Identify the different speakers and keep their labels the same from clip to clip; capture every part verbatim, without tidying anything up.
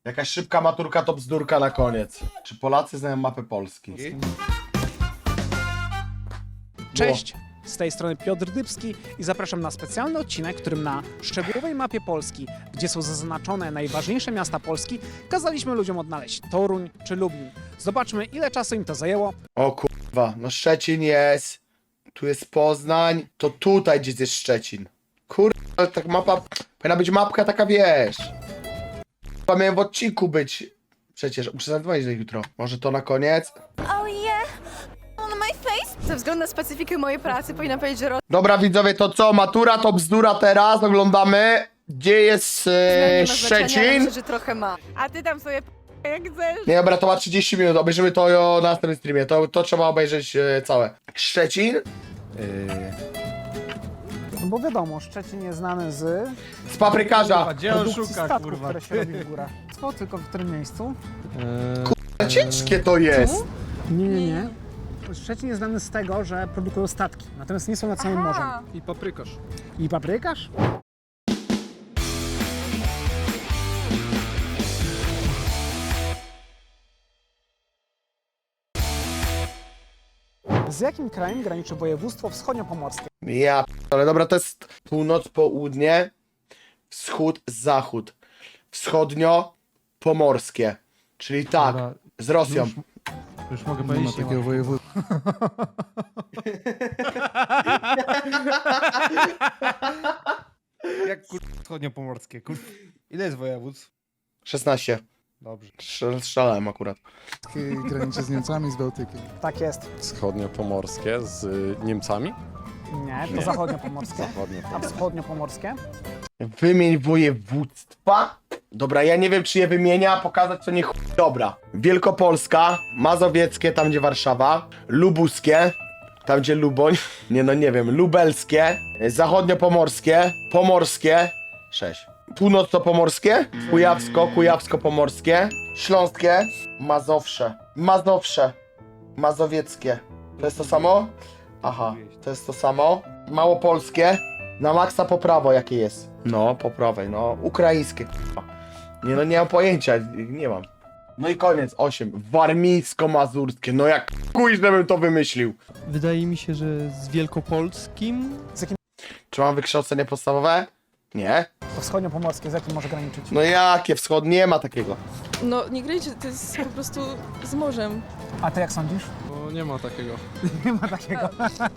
Speaker 1: Jakaś szybka maturka to bzdurka na koniec. Czy Polacy znają mapę Polski?
Speaker 2: Cześć, z tej strony Piotr Dybski i zapraszam na specjalny odcinek, w którym na szczegółowej mapie Polski, gdzie są zaznaczone najważniejsze miasta Polski, kazaliśmy ludziom odnaleźć Toruń czy Lublin. Zobaczmy, ile czasu im to zajęło.
Speaker 1: O kurwa, no Szczecin jest. Tu jest Poznań. To tutaj gdzieś jest Szczecin. Kurwa, ale tak mapa... Powinna być mapka taka, wiesz. Chyba miałem w odcinku być. Przecież muszę zadzwonić do nich jutro. Może to na koniec?
Speaker 3: Oh yeah, on my face. Ze względu na specyfikę mojej pracy powinna powiedzieć, że
Speaker 1: Dobra widzowie, to co? Matura to bzdura teraz. Oglądamy. Gdzie jest e,
Speaker 3: nie ma znaczenia, ale
Speaker 1: Szczecin?
Speaker 3: myślę, że trochę ma. A ty tam sobie p- jak chcesz.
Speaker 1: Nie, dobra, to ma trzydzieści minut. Obejrzymy to jo, na następnym streamie. To, to trzeba obejrzeć e, całe. Szczecin?
Speaker 2: No bo wiadomo, Szczecin jest znany z
Speaker 1: Z paprykarza.
Speaker 4: Gdzie on
Speaker 2: produkcji
Speaker 4: szuka,
Speaker 2: statków,
Speaker 4: kurwa?
Speaker 2: które się robi w górach. Co, tylko w którym miejscu?
Speaker 1: Ciężkie to jest.
Speaker 2: Nie, nie, nie. Szczecin jest znany z tego, że produkują statki, natomiast nie są nad samym morzem.
Speaker 4: I paprykarz.
Speaker 2: I paprykarz? Z jakim krajem graniczy województwo wschodniopomorskie?
Speaker 1: Ja ale dobra, to jest północ, południe, wschód, zachód. Wschodnio, pomorskie. Czyli tak,
Speaker 4: Dobra,
Speaker 1: z Rosją.
Speaker 4: Już, już mogę
Speaker 5: Nie ma
Speaker 4: powiedzieć, nie
Speaker 5: takiego
Speaker 4: ma.
Speaker 5: województwa.
Speaker 4: Jak kur... wschodniopomorskie, kur... Ile jest województw?
Speaker 1: szesnaście.
Speaker 4: Dobrze.
Speaker 1: Strzel- Strzelałem akurat.
Speaker 5: Graniczy z Niemcami, z Bałtykiem.
Speaker 2: Tak jest.
Speaker 6: Wschodniopomorskie z y, Niemcami?
Speaker 2: Nie, to
Speaker 6: Nie.
Speaker 2: zachodniopomorskie. A
Speaker 6: Zachodniopomorskie.
Speaker 2: wschodniopomorskie?
Speaker 1: Wymień województwa. Dobra, ja nie wiem czy je wymienia, pokazać co nie chuj. Dobra. Wielkopolska, Mazowieckie, tam gdzie Warszawa, Lubuskie, tam gdzie Luboń, nie no nie wiem, Lubelskie, Zachodniopomorskie, Pomorskie, sześć. Północno-pomorskie, Kujawsko, Kujawsko-pomorskie, Śląskie, Mazowsze, Mazowsze, Mazowieckie. To jest to samo? Aha, to jest to samo. Małopolskie, na maksa po prawo jakie jest? No, po prawej, no. Ukraińskie, k***a. Nie no, nie mam pojęcia, nie mam. No i koniec, osiem. Warmińsko-mazurskie, no jak kuj, żebym to wymyślił.
Speaker 7: Wydaje mi się, że z Wielkopolskim.
Speaker 1: Czy mam wykształcenie podstawowe? Nie.
Speaker 2: To wschodniopomorskie, z jakim może graniczyć?
Speaker 1: No jakie wschód? Nie ma takiego.
Speaker 8: No, nie grajcie, to jest po prostu z morzem.
Speaker 2: A ty jak sądzisz?
Speaker 4: Bo nie ma takiego.
Speaker 2: Nie ma takiego.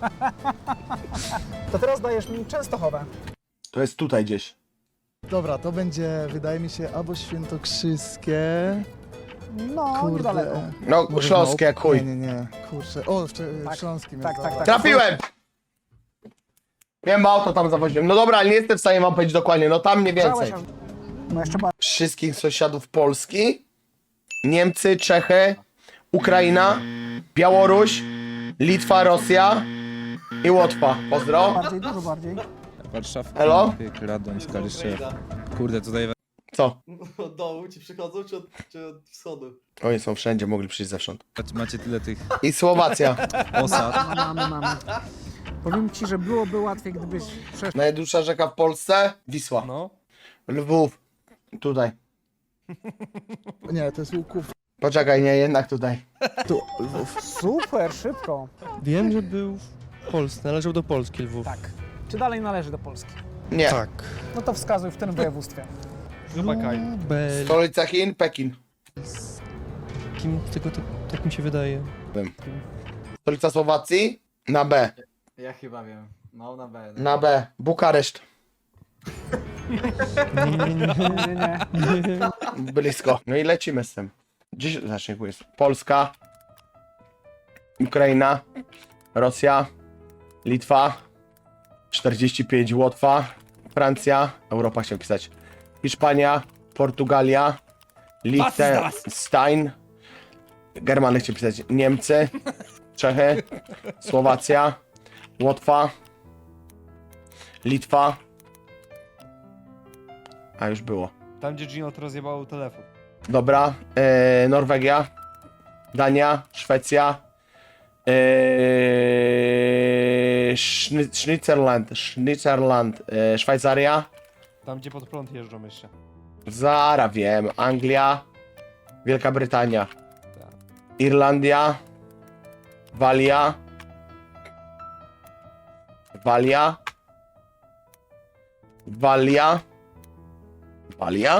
Speaker 2: To teraz dajesz mi Częstochowę.
Speaker 1: To jest tutaj gdzieś.
Speaker 5: Dobra, to będzie, wydaje mi się, albo świętokrzyskie.
Speaker 2: No, niedaleko.
Speaker 1: No,
Speaker 5: Może
Speaker 1: śląskie, jak
Speaker 5: Małop-
Speaker 1: chuj.
Speaker 5: Nie, nie, nie. Kurczę. O, w, w
Speaker 2: Tak,
Speaker 5: Śląskim
Speaker 2: tak,
Speaker 5: jest,
Speaker 2: tak,
Speaker 5: dobra.
Speaker 2: tak.
Speaker 1: Trafiłem! Miałem auto tam zawoziłem. No dobra, ale nie jestem w stanie wam powiedzieć dokładnie, no tam mniej więcej.
Speaker 2: Żałeś, no jeszcze bardziej.
Speaker 1: Wszystkich sąsiadów Polski, Niemcy, Czechy, Ukraina, Białoruś, Litwa, Rosja i Łotwa. Pozdro.
Speaker 2: Bardziej, dużo bardziej.
Speaker 9: Warszawka,
Speaker 1: Elo?
Speaker 9: Pyk, Radoń, Kaliszew. Kurde, tutaj
Speaker 1: Co?
Speaker 10: Od dołu ci przychodzą, czy od, czy od wschodu?
Speaker 1: Oni są wszędzie, mogli przyjść zewsząd.
Speaker 9: macie tyle tych
Speaker 1: I Słowacja.
Speaker 9: osad.
Speaker 2: Mamy, mamy. Powiem ci, że byłoby łatwiej, gdybyś przeszedł.
Speaker 1: Najdłuższa rzeka w Polsce? Wisła.
Speaker 4: No.
Speaker 1: Lwów. Tutaj.
Speaker 5: Nie, to jest Łuków.
Speaker 1: Poczekaj, nie, jednak tutaj.
Speaker 5: Tu, Lwów.
Speaker 2: Super, szybko.
Speaker 7: Wiem, że był w Polsce, należał do Polski Lwów.
Speaker 2: Tak. Czy dalej należy do Polski?
Speaker 1: Nie.
Speaker 7: Tak.
Speaker 2: No to wskazuj w tym województwie.
Speaker 4: Zobakaj.
Speaker 7: Lubel.
Speaker 1: Stolica Chin? Pekin.
Speaker 7: Kim tego tak, tak mi się wydaje?
Speaker 1: Stolica Słowacji? Na B.
Speaker 10: Ja chyba wiem. No, na B.
Speaker 1: Na B. Bukareszt.
Speaker 7: Nie, nie, nie.
Speaker 2: Nie, nie, nie.
Speaker 1: Blisko. No i lecimy z tym. Gdzieś znaczniku jest? Polska, Ukraina, Rosja, Litwa, czterdzieści pięć Łotwa, Francja, Europa chciał pisać, Hiszpania, Portugalia, Liechtenstein, Germany chciał pisać, Niemcy, Czechy, Słowacja, Łotwa, Litwa, a już było.
Speaker 4: Tam, gdzie Gino to rozjebało telefon.
Speaker 1: Dobra, e, Norwegia, Dania, Szwecja, e, Szny- Sznitzerland, Sznitzerland, e, Szwajcaria,
Speaker 4: Tam, gdzie pod prąd jeżdżą jeszcze.
Speaker 1: Zara wiem. Anglia. Wielka Brytania. Irlandia. Walia. Walia. Walia. Walia.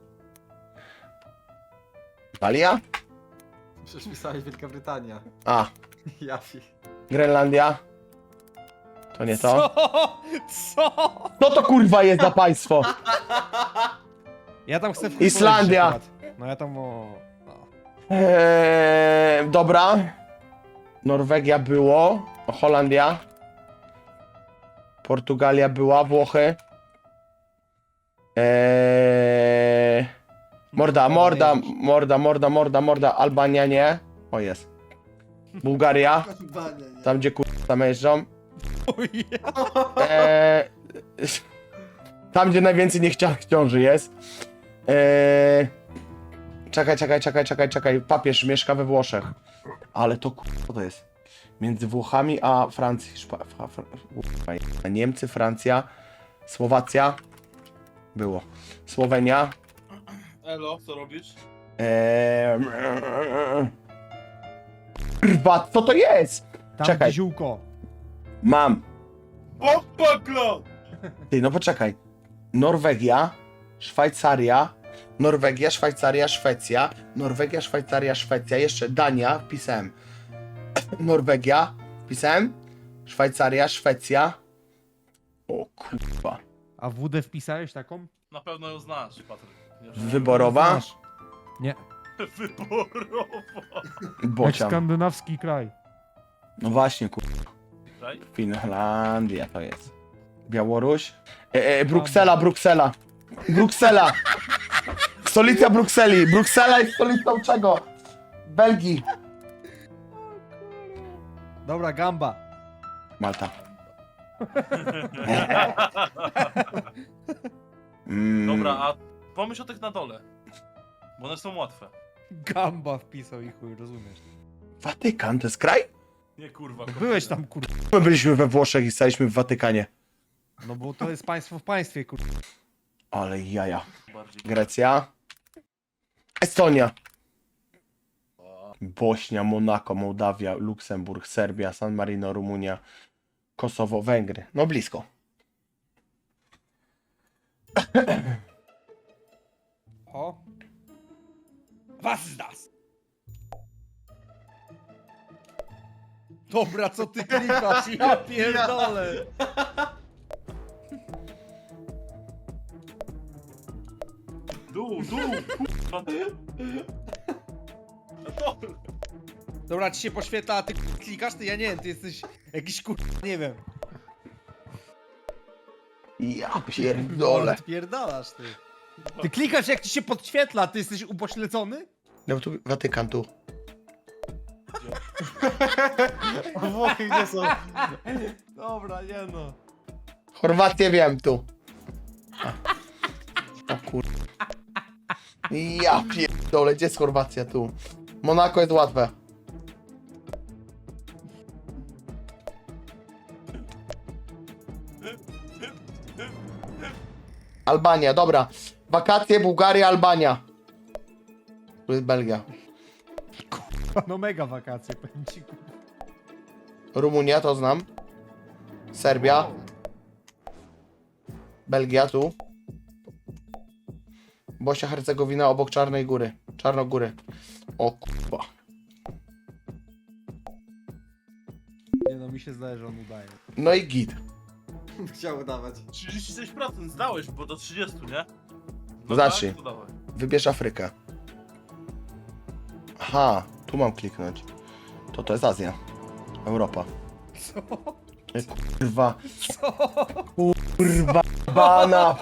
Speaker 1: Walia?
Speaker 10: Przecież pisałeś Wielka Brytania.
Speaker 1: A.
Speaker 10: Jafi.
Speaker 1: Grenlandia. To nie to.
Speaker 4: Co? Co?
Speaker 1: Co to kurwa jest za państwo?
Speaker 4: Ja tam chcę w chuj
Speaker 1: Islandia.
Speaker 4: polecieć akurat. No ja tam o... No.
Speaker 1: Eee, dobra. Norwegia było. Holandia. Portugalia była. Włochy. Eee, morda, morda, morda, morda, morda, morda. Albania nie. O jest. Bułgaria. Tam gdzie kurwa tam jeżdżą. Eee, tam gdzie najwięcej niechcianych ciąży jest. Eee, czekaj, czekaj, czekaj, czekaj, czekaj. Papież mieszka we Włoszech. Ale to kurwa to jest. Między Włochami a Francją. Szpa, fra, fra, kurwa, Niemcy, Francja, Słowacja. Było. Słowenia.
Speaker 11: Elo, co robisz?
Speaker 1: Eee, kurwa, co to jest?
Speaker 4: Tam
Speaker 1: Czekaj.
Speaker 4: ziółko.
Speaker 1: Mam.
Speaker 11: Bombaklo!
Speaker 1: Ty, no poczekaj. Norwegia, Szwajcaria, Norwegia, Szwajcaria, Szwecja, Norwegia, Szwajcaria, Szwecja, jeszcze Dania, wpisałem. Norwegia, wpisałem. Szwajcaria, Szwecja. O kurwa.
Speaker 4: A W D wpisałeś taką?
Speaker 11: Na pewno ją znasz, Patryk. Nie wiem.
Speaker 1: Wyborowa?
Speaker 4: Znasz. Nie.
Speaker 11: Wyborowa.
Speaker 4: Jak
Speaker 1: Bocian.
Speaker 4: skandynawski kraj.
Speaker 1: No właśnie, kurwa.
Speaker 11: Kraj?
Speaker 1: Finlandia to jest. Białoruś. E, e, Bruksela, Bruksela. Bruksela. Stolica Brukseli. Bruksela jest stolicą czego? Belgii.
Speaker 4: Dobra, gamba.
Speaker 1: Malta. Mm,
Speaker 11: Dobra, a pomyśl o tych na dole. Bo one są łatwe.
Speaker 4: Gamba wpisał i chuj, rozumiesz.
Speaker 1: Watykan to jest kraj?
Speaker 11: Nie kurwa.
Speaker 4: Byłeś tam, kur...
Speaker 1: My byliśmy we Włoszech i staliśmy w Watykanie.
Speaker 4: No bo to jest państwo w państwie, kur...
Speaker 1: Ale jaja.
Speaker 11: Bardziej.
Speaker 1: Grecja. Estonia. Bośnia, Monako, Mołdawia, Luksemburg, Serbia, San Marino, Rumunia, Kosowo, Węgry. No blisko.
Speaker 4: O. Was ist das? Dobra, co ty klikasz? Ja pierdolę.
Speaker 11: Dół, dół, kurwa. No dobra.
Speaker 4: Dobra, ci się poświetla, a ty klikasz? Ty, ja nie wiem, ty jesteś jakiś kur... nie wiem.
Speaker 1: Ja pierdolę.
Speaker 4: Odpierdalasz, ty. Ty klikasz, jak ci się podświetla, ty jesteś upośledzony?
Speaker 1: No tu Watykan tu.
Speaker 10: Włochy gdzie są?
Speaker 4: Dobra, nie no.
Speaker 1: Chorwację wiem tu. A. O kur... Ja pierdolę, gdzie jest Chorwacja tu? Monako jest łatwe. Albania, dobra. Wakacje, Bułgaria, Albania. Tu jest Belgia.
Speaker 4: No mega wakacje, powiem ci. kur-
Speaker 1: Rumunia, to znam. Serbia. Belgia, tu. Bośnia, Hercegowina, obok Czarnej Góry. Czarnogóry. O kurwa.
Speaker 4: Nie no, mi się zdaje, że on udaje.
Speaker 1: No i git.
Speaker 10: Chciał udawać.
Speaker 11: trzydzieści sześć procent zdałeś, bo do trzydziestu, nie? No
Speaker 1: Zacznij.
Speaker 11: tak, to dawaj.
Speaker 1: Wybierz Afrykę. Aha, tu mam kliknąć. To to jest Azja. Europa.
Speaker 4: Co?
Speaker 1: E, Kurwa.
Speaker 4: Co?
Speaker 1: Kurwa. Bana.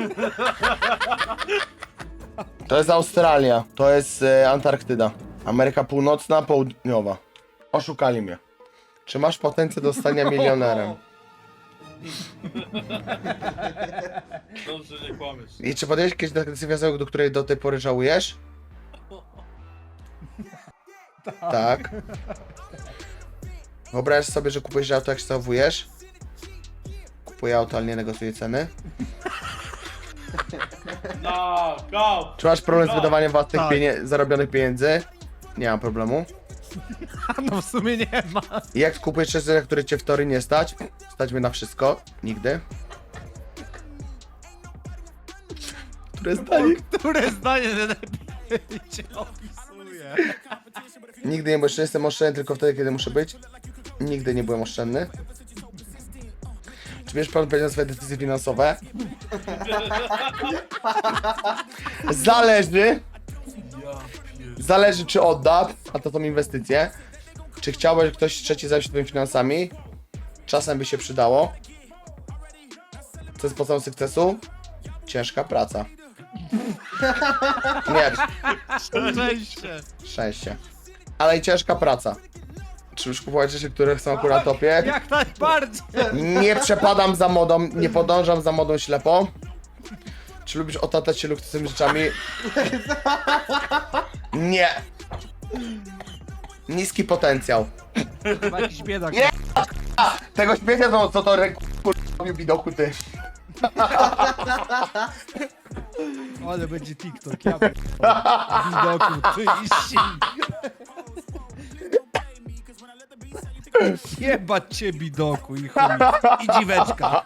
Speaker 1: To jest Australia. To jest e, Antarktyda. Ameryka Północna, Południowa. Oszukali mnie. Czy masz potencjał do stania milionerem?
Speaker 11: Dobrze, nie kłamiesz.
Speaker 1: I czy podjęłeś jakieś decyzję, do której do tej pory żałujesz? Tak. Wyobraź sobie, że kupujesz auto, jak się zachowujesz? Kupuję auto, ale nie negocjuję ceny.
Speaker 11: No, go!
Speaker 1: Czy masz problem z wydawaniem własnych
Speaker 4: Tak.
Speaker 1: pienie- zarobionych pieniędzy? Nie mam problemu.
Speaker 4: No w sumie nie ma.
Speaker 1: Jak kupujesz rzeczy, na które cię w teorii nie stać? Stać mnie na wszystko. Nigdy. Które zdanie?
Speaker 4: Które zdanie najlepiej cię opisuje?
Speaker 1: Nigdy nie, bo jeszcze jestem oszczędny tylko wtedy, kiedy muszę być. Nigdy nie byłem oszczędny. Czy bierzesz pan odpowiedzialność za swoje decyzje finansowe? Zależy. Zależy czy odda, a to są inwestycje. Czy chciałbyś ktoś trzeci zająć się twoimi finansami? Czasem by się przydało. Co jest podstawą sukcesu? Ciężka praca. Nie,
Speaker 4: Szczęście.
Speaker 1: szczęście. Ale i ciężka praca. Czy już kupować rzeczy, które są akurat topie?
Speaker 4: Jak najbardziej.
Speaker 1: Nie przepadam za modą, nie podążam za modą ślepo. Czy lubisz otaczać się luksusowym rzeczami? Nie. Niski potencjał.
Speaker 4: Chyba jakiś biedak.
Speaker 1: Nie. Tego śmiecia to co to robił widoku ty.
Speaker 4: Ale będzie TikTok, ja widoku, ty i Jebać cię bidoku i chuj. I dziweczka.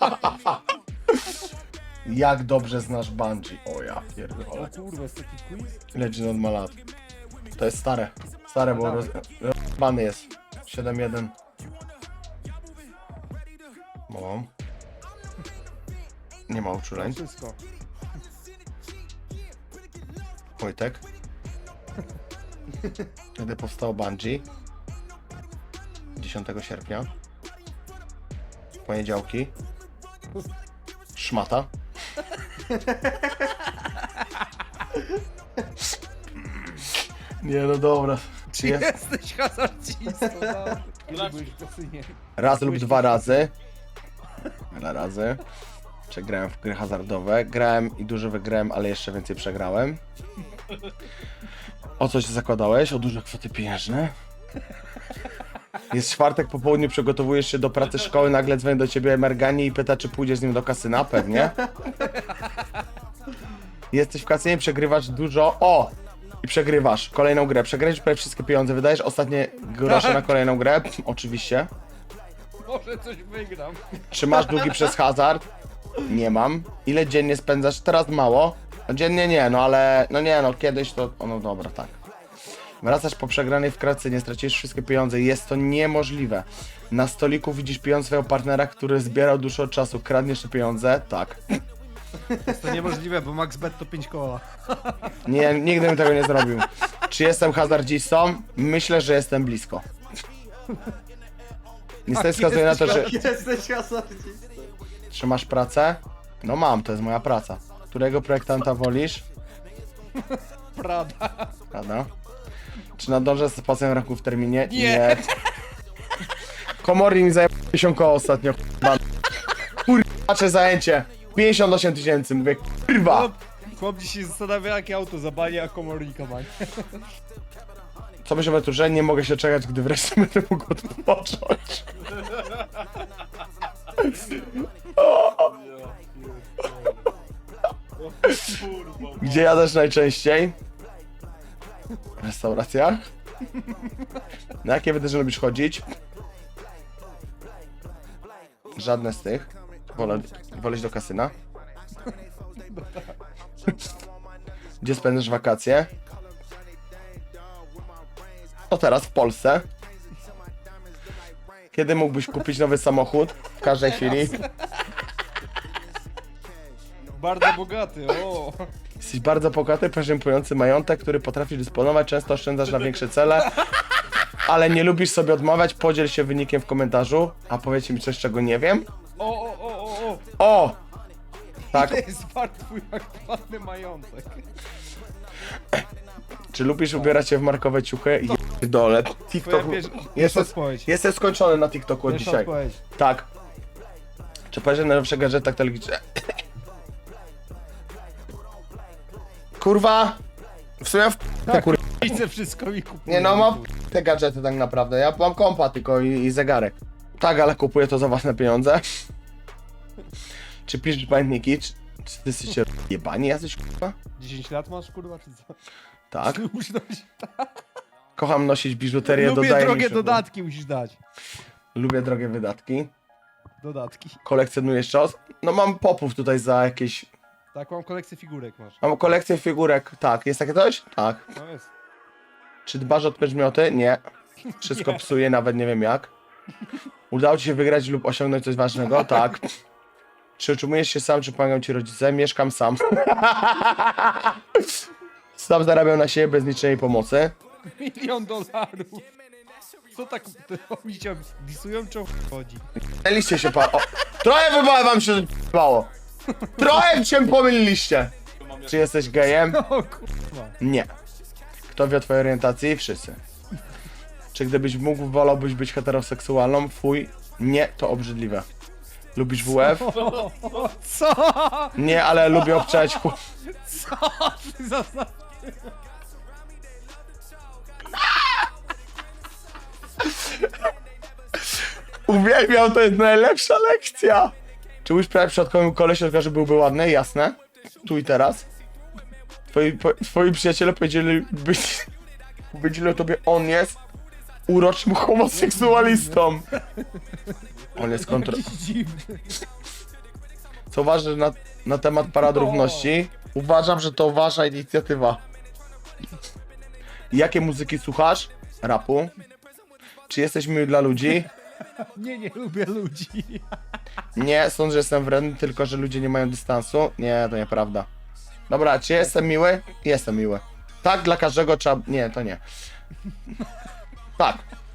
Speaker 1: Jak dobrze znasz Bungie? O ja pierdolę.
Speaker 4: Kurwa, jest taki quiz?
Speaker 1: Legend od ma lat. To jest stare. Stare, bo roz... rozbany jest. siedem jeden. Mam. Nie ma uczuleń.
Speaker 4: Wszystko.
Speaker 1: Wojtek. Kiedy powstało Bungie? dziesiątego sierpnia. Poniedziałki. Szmata. Nie no dobra.
Speaker 4: Czy
Speaker 1: Jest.
Speaker 4: jesteś hazardzistą? No. Byłeś w kasynie.
Speaker 1: Raz lub dwa razy. Dwa razy. Czy grałem w gry hazardowe? Grałem i dużo wygrałem, ale jeszcze więcej przegrałem. O co się zakładałeś? O duże kwoty pieniężne? Jest czwartek po południu, przygotowujesz się do pracy szkoły, nagle dzwoni do ciebie Mergani i pyta, czy pójdziesz z nim do kasyna? Pewnie. Jesteś w kasynie, przegrywasz dużo. O! I przegrywasz kolejną grę. Przegrałeś prawie wszystkie pieniądze, wydajesz ostatnie grosze na kolejną grę. Oczywiście.
Speaker 4: Może coś wygram.
Speaker 1: Czy masz długi przez hazard? Nie mam. Ile dziennie spędzasz? Teraz mało. No dziennie nie, no ale... No nie, no kiedyś to... O, no dobra, tak. Wracasz po przegranej w kracy, nie stracisz wszystkie pieniądze. Jest to niemożliwe. Na stoliku widzisz pieniądze swojego partnera, który zbierał dużo czasu. Kradniesz te pieniądze? Tak.
Speaker 4: Jest to niemożliwe, bo max bet to pięć koła.
Speaker 1: Nie, nigdy bym tego nie zrobił. Czy jestem hazardzistą? Myślę, że jestem blisko. Niestety wskazuje na to, że...
Speaker 10: Jesteś hazardzistą.
Speaker 1: Czy masz pracę? No mam, to jest moja praca. Którego projektanta wolisz?
Speaker 4: Prada.
Speaker 1: Prawda? Czy nadążę z płaceniem rachu w terminie?
Speaker 4: Nie.
Speaker 1: Komornik mi zajęło pięćdziesiąt koło ostatnio. Kurwa, patrzę zajęcie. pięćdziesiąt osiem tysięcy, mówię kurwa.
Speaker 4: Chłop, chłop dziś się zastanawia, jakie auto zabali, a komornika ma.
Speaker 1: Co myślę o tym, że nie mogę się czekać, gdy wreszcie będę mógł odpocząć. Gdzie jadasz najczęściej? W restauracjach? Na jakie wydarzenia lubisz chodzić? Żadne z tych. Wolę, wolę iść do kasyna. Gdzie spędzasz wakacje? To teraz w Polsce. Kiedy mógłbyś kupić nowy samochód? W każdej chwili.
Speaker 4: Bardzo bogaty, o.
Speaker 1: Jesteś bardzo bogaty, poziompujący majątek, który potrafisz dysponować, często oszczędzasz na większe cele, ale nie lubisz sobie odmawiać, podziel się wynikiem w komentarzu, a powiedzcie mi coś, czego nie wiem.
Speaker 4: O, o, o, o, o.
Speaker 1: O! Tak,
Speaker 4: Ile jest wart twój aktualny majątek?
Speaker 1: czy lubisz ubierać się w markowe ciuchy? Dole. TikTok.
Speaker 4: Twoja pierwsza,
Speaker 1: Jestem,
Speaker 4: pierwsza odpowiedź.
Speaker 1: jestem skończony na TikToku od
Speaker 4: Pierwsza
Speaker 1: dzisiaj.
Speaker 4: odpowiedź.
Speaker 1: Tak. Czy powiesz, że najnowsze gadżetach telewizyjnych... Kurwa! W sumie w... te kurwa.
Speaker 4: Widzę wszystko mi kupuję.
Speaker 1: Nie no, mam te gadżety tak naprawdę. Ja mam kompa tylko i, i zegarek. Tak, ale kupuję to za własne pieniądze. Czy piszesz pamiętniki? Czy... Czy ty jesteście jebani jacyś, kurwa?
Speaker 4: dziesięć lat masz, kurwa, czy co?
Speaker 1: Tak.
Speaker 4: Musisz dać.
Speaker 1: Kocham nosić biżuterię,
Speaker 4: Lubię
Speaker 1: dodaję mi
Speaker 4: drogie
Speaker 1: się-
Speaker 4: dodatki, musisz dać.
Speaker 1: Lubię drogie wydatki.
Speaker 4: Dodatki.
Speaker 1: Kolekcjonujesz czas? No mam popów tutaj za jakieś...
Speaker 4: Tak, mam kolekcję figurek masz.
Speaker 1: Mam kolekcję figurek, tak. Jest takie coś? Tak.
Speaker 4: No jest.
Speaker 1: Czy dbasz o przedmioty? Nie. Wszystko psuje, nawet nie wiem jak. Udało ci się wygrać lub osiągnąć coś ważnego? Tak. Czy utrzymujesz się sam, czy pomagają ci rodzice? Mieszkam sam. Sam zarabiam na siebie bez niczej pomocy.
Speaker 4: Milion dolarów. Co tak, to oni cię disują, czy o chuj chodzi?
Speaker 1: Pomyliliście się pan. O, trochę chyba wam się zbało. Trochę się pomyliliście. Czy jesteś gejem?
Speaker 4: O kurwa.
Speaker 1: Nie. Kto wie o twojej orientacji? Wszyscy. Czy gdybyś mógł, wolałbyś być heteroseksualną? Fuj. Nie, to obrzydliwe. Lubisz W F?
Speaker 4: Co?
Speaker 1: Nie, ale lubię obczać chu...
Speaker 4: Co ty za... za-
Speaker 1: Uwielbiam, to jest najlepsza lekcja. Czy już prawie przypadkowym kolesie, że byłby ładny? Jasne. Tu i teraz. Twoi, po, twoi przyjaciele powiedzieli, być, powiedzieli o tobie, on jest uroczym homoseksualistą. On jest kontro...
Speaker 4: Jakiś dziwny.
Speaker 1: Co ważne na, na temat parad równości, uważam, że to wasza inicjatywa. Jakie muzyki słuchasz? Rapu. Czy jesteś miły dla ludzi?
Speaker 4: Nie, nie lubię ludzi.
Speaker 1: Nie, sądzę, że jestem wredny, tylko że ludzie nie mają dystansu. Nie, to nieprawda. Dobra, czy jestem miły? Jestem miły. Tak, dla każdego trzeba... Nie, to nie. Tak.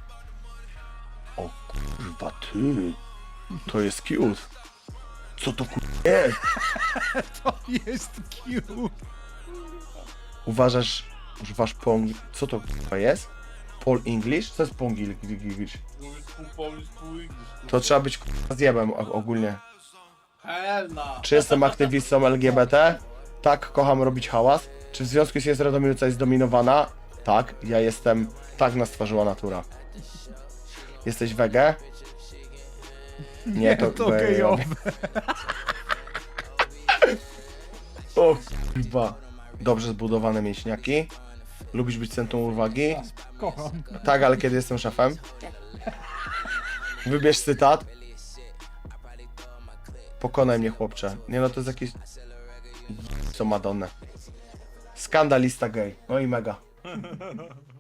Speaker 1: O kurwa, ty. To jest cute. Co to kurwa jest?
Speaker 4: To jest cute.
Speaker 1: Uważasz, używasz pong... Co to kurwa jest? Paul English? Co jest Paul English?
Speaker 11: Mówisz pół Polish, pół English.
Speaker 1: To trzeba być kurwa zjebem o- ogólnie.
Speaker 11: Helna.
Speaker 1: Czy jestem aktywistą L G B T? Tak, kocham robić hałas. Czy w związku z Radomiruca jest zdominowana? Tak, ja jestem... Tak nas stworzyła natura. Jesteś wege? Nie, to,
Speaker 4: to
Speaker 1: gejowe. O kurwa. Dobrze zbudowane mięśniaki. Lubisz być centrum uwagi?
Speaker 4: Kocham.
Speaker 1: Tak, ale kiedy jestem szefem? Wybierz cytat. Pokonaj mnie, chłopcze. Nie no, to jest jakieś... Co Madonnę. Skandalista gej. No i mega.